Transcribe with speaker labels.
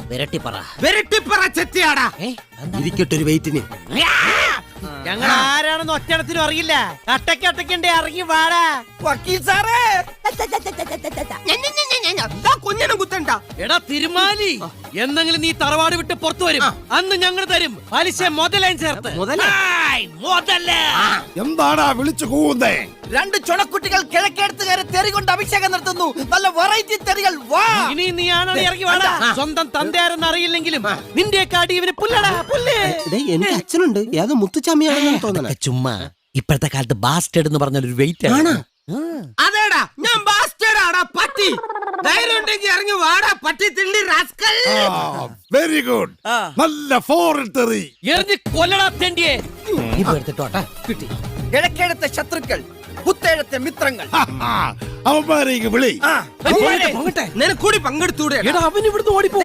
Speaker 1: വെരട്ടിപ്പറ ചെത്തിയാടാ. ഇരിക്കട്ടെ ഒരു വെയിറ്റിന്.
Speaker 2: ഞങ്ങൾ ആരാണെന്ന് ഒറ്റണത്തിനും അറിയില്ല. അട്ടക്കണ്ടേ ഇറങ്ങി വാടാ.
Speaker 1: വക്കീൽ സാറേ, കുഞ്ഞിനും കുത്തണ്ട.
Speaker 2: എടാ തിരുമാലി, എന്തെങ്കിലും നീ തറവാട് വിട്ട് പുറത്തു വരും, അന്ന് ഞങ്ങൾ തരും പലിശ മുതലേം ചേർത്ത്.
Speaker 3: എന്താടാ വിളിച്ചു കൂവുന്നേ?
Speaker 1: രണ്ട് ചുണക്കുട്ടികൾ കിഴക്കേടുത്തുകാരെ തെറി കൊണ്ട് അഭിഷേകം നടത്തുന്നു. നല്ല വെറൈറ്റി തെറികൾ. വാ,
Speaker 2: ഇനി നീ ആണോ ഇറങ്ങി വാടാ. സ്വന്തം തന്തയാരെന്ന് അറിയില്ലെങ്കിലും നിന്റെ കാടി ഇവന് പുല്ലടാ പുല്ല്.
Speaker 1: എനിക്ക് അച്ഛനുണ്ട്, ഏതോ മുത്തുച്ചാമിയാണെന്ന് തോന്നണ.
Speaker 2: ചുമ്മാ ഇപ്പോഴത്തെ കാലത്ത് ബാസ്റ്റേഡ് എന്ന് പറഞ്ഞ ഒരു വെയിറ്റ് ആണ്.
Speaker 1: അതേടാ, ഞാൻ ബാസ്റ്റേഡാടാ പട്ടി. ധൈര്യം ഉണ്ടെങ്കിൽ ഇറങ്ങി വാടാ പട്ടി തിള്ളി റാസ്കൽ.
Speaker 3: Very good. നല്ല ഫോറിൻ തെറി.
Speaker 2: എറിഞ്ഞ് കൊല്ലടാ തെണ്ടിയെ. കിട്ടി.
Speaker 1: കിഴക്കേടത്തെ ശത്രുക്കൾ, പുത്തേഴത്തെ മിത്രങ്ങൾ.
Speaker 3: അവന്മാരെ വിളി.
Speaker 1: നിനക്കൂടി പങ്കെടുത്തൂടെ?
Speaker 2: അവൻ ഇവിടുന്ന് ഓടിപ്പോ.